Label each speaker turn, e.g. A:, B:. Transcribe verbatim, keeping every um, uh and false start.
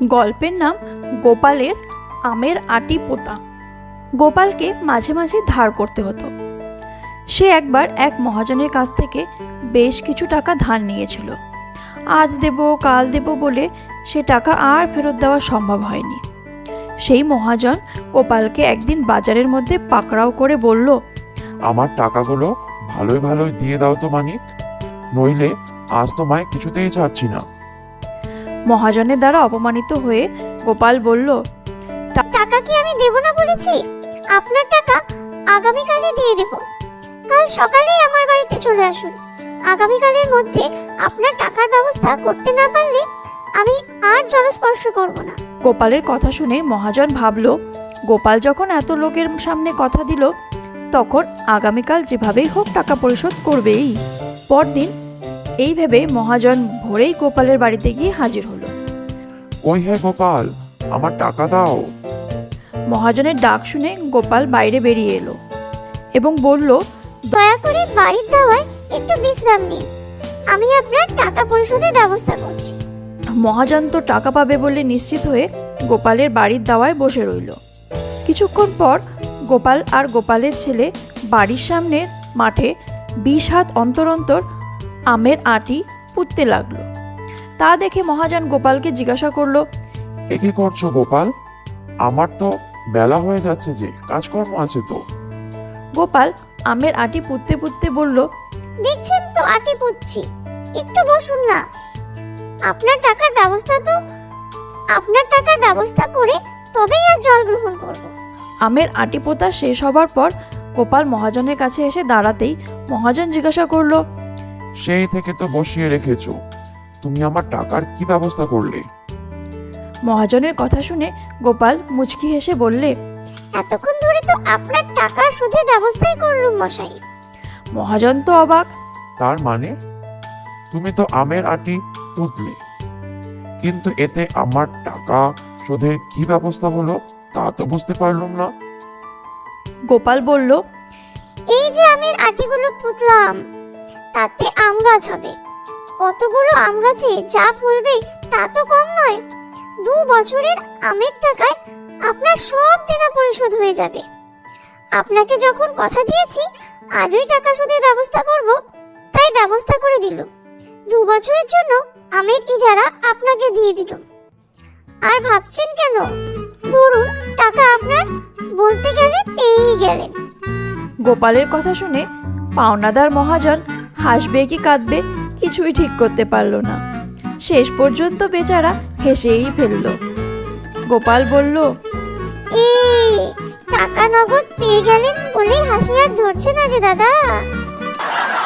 A: গল্পের নাম গোপালের আমের আটি পোতা। গোপালকে মাঝে মাঝে ধার করতে হতো। সে একবার এক মহাজনের কাছ থেকে বেশ কিছু টাকা ধার নিয়েছিল। আজ দেব কাল দেব বলে সে টাকা আর ফেরত দেওয়া সম্ভব হয়নি। সেই মহাজন গোপালকে একদিন বাজারের মধ্যে পাকড়াও করে বলল,
B: আমার টাকাগুলো ভালোই ভালোই দিয়ে দাও তো মানিক, নইলে আজ তোমায় কিছুতেই ছাড়ছি না।
A: মহাজনের দ্বারা অপমানিত হয়ে গোপাল বলল,
C: টাকা কি আমি দেব না বলেছি? আপনার টাকা আগামীকালে দিয়ে দেব। কাল সকালেই আমার বাড়িতে চলে আসুন। আগামীকালের মধ্যে আপনার টাকার ব্যবস্থা করতে না পারলে আমি আর জলস্পর্শ করব না।
A: গোপালের কথা শুনে মহাজন ভাবল, গোপাল যখন এত লোকের সামনে কথা দিল, তখন আগামীকাল যেভাবেই হোক টাকা পরিশোধ করবেই। পরদিন এই ভেবে মহাজন ভোরেই গোপালের বাড়িতে গিয়ে হাজির হলো।
B: ওই হে গোপাল, আমার টাকা দাও।
A: মহাজনের ডাক শুনে গোপাল বাইরে বেরিয়ে এলো এবং বলল,
C: দয়া করে বাড়ির দাওয়ায় একটু বিশ্রাম নিন, আমি আপনার টাকা পরিশোধের ব্যবস্থা করছি।
A: মহাজন তো টাকা পাবে বলে নিশ্চিত হয়ে গোপালের বাড়ির দাওয়ায় বসে রইল। কিছুক্ষণ পর গোপাল আর গোপালের ছেলে বাড়ির সামনের মাঠে বিশ হাত অন্তর অন্তর আমের আটি পুঁততে লাগলো। তা দেখে মহাজন গোপালকে জিজ্ঞাসা করলো,
B: এ কি করছো গোপাল? আমার তো বেলা হয়ে যাচ্ছে, যে কাজকর্ম আছে তো।
A: গোপাল আমের আটি পুঁততে পুঁততে বলল,
C: দেখছেন তো আটি পুচ্ছি, একটু বসুন না। আপনার টাকার ব্যবস্থা তো আপনার টাকার ব্যবস্থা করে তবেই আর জল গ্রহণ করব।
A: আমের আটি পোতা শেষ হবার পর গোপাল মহাজনের কাছে এসে দাঁড়াতেই মহাজন জিজ্ঞাসা করলো,
B: সেই থেকে তো বসিয়ে রেখেছো, তুমি আমার টাকার কি ব্যবস্থা করলে?
A: মহাজনের কথা শুনে গোপাল মুচকি হেসে বললে,
C: এতক্ষণ ধরে তো আপনার টাকার সুদের ব্যবস্থাই করলুম মশাই।
A: মহাজন তো অবাক।
B: তার মানে তুমি তো আমের আটি পুঁতলে, কিন্তু এতে আমার টাকা শোধের কি ব্যবস্থা হলো তা তো বুঝতে পারলাম না।
A: গোপাল বলল,
C: এই যে আমের আটিগুলো পুতলাম, তাতে আম গাছ হবে। অতগুলো আম গাছে যা ফলবে তা তো কম নয়। দু বছরের আমের টাকায় আপনার সব দেনা পরিশোধ হয়ে যাবে। আপনাকে যখন কথা দিয়েছি আজই টাকা শোধের ব্যবস্থা করব, তাই ব্যবস্থা করে দিলাম। দু বছরের জন্য আমের ইজারা আপনাকে দিয়ে দিলাম। আর ভাবছেন কেন? ধরুন টাকা আপনার, বলতে গেলে পেয়েই গেলেন।
A: গোপালের কথা শুনে পাওনাদার মহাজন হাসবে কি কাঁদবে কিছুই ঠিক করতে পারল না। শেষ পর্যন্ত বেচারা হেসেই ফেলল। গোপাল বলল,
C: এই টাকা নগদ পেয়ে গেলেন বলেই হাসি আর ধরছে না যে দাদা।